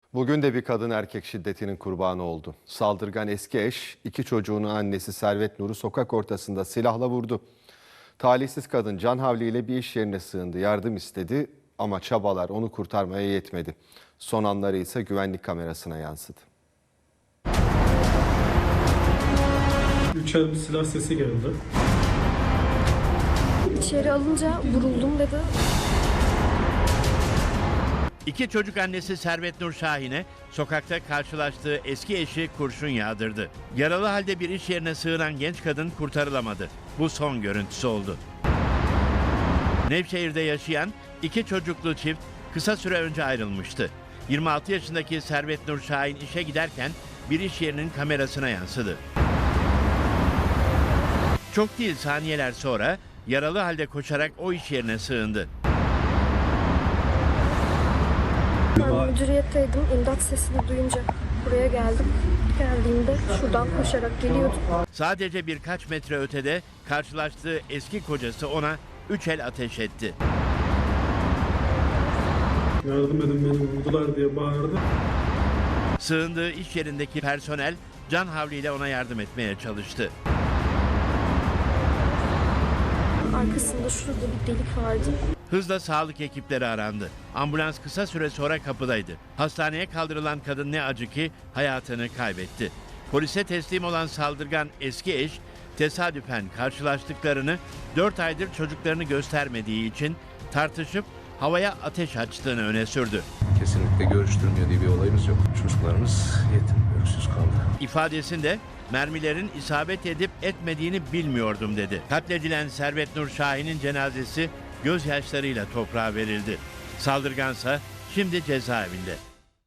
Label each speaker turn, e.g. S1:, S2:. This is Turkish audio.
S1: Bugün de bir kadın erkek şiddetinin kurbanı oldu. Saldırgan eski eş, iki çocuğunu annesi Servet Nur'u sokak ortasında silahla vurdu. Talihsiz kadın can havliyle bir iş yerine sığındı, yardım istedi ama çabalar onu kurtarmaya yetmedi. Son anları ise güvenlik kamerasına yansıdı.
S2: Üçer bir silah sesi geldi.
S3: İçeri alınca vuruldum dedi.
S4: İki çocuk annesi Servet Nur Şahin'e sokakta karşılaştığı eski eşi kurşun yağdırdı. Yaralı halde bir iş yerine sığınan genç kadın kurtarılamadı. Bu son görüntüsü oldu. Nevşehir'de yaşayan iki çocuklu çift kısa süre önce ayrılmıştı. 26 yaşındaki Servet Nur Şahin işe giderken bir iş yerinin kamerasına yansıdı. Çok değil saniyeler sonra yaralı halde koşarak o iş yerine sığındı.
S3: Ben müdüriyetteydim. İmdat sesini duyunca buraya geldim. Geldiğimde şuradan koşarak geliyordum.
S4: Sadece birkaç metre ötede karşılaştığı eski kocası ona 3 el ateş etti.
S2: Yardım edin beni vurdular diye bağırdı.
S4: Sığındığı iş yerindeki personel can havliyle ona yardım etmeye çalıştı.
S3: Arkasında şurada bir delik vardı.
S4: Hızla sağlık ekipleri arandı. Ambulans kısa süre sonra kapıdaydı. Hastaneye kaldırılan kadın ne acı ki hayatını kaybetti. Polise teslim olan saldırgan eski eş tesadüfen karşılaştıklarını 4 aydır çocuklarını göstermediği için tartışıp havaya ateş açtığını öne sürdü.
S5: Kesinlikle görüştürmüyor diye bir olayımız yok. Çocuklarımız yetim, öksüz kaldı.
S4: İfadesinde mermilerin isabet edip etmediğini bilmiyordum dedi. Katledilen Servet Nur Şahin'in cenazesi gözyaşlarıyla toprağa verildi. Saldırgansa şimdi cezaevinde.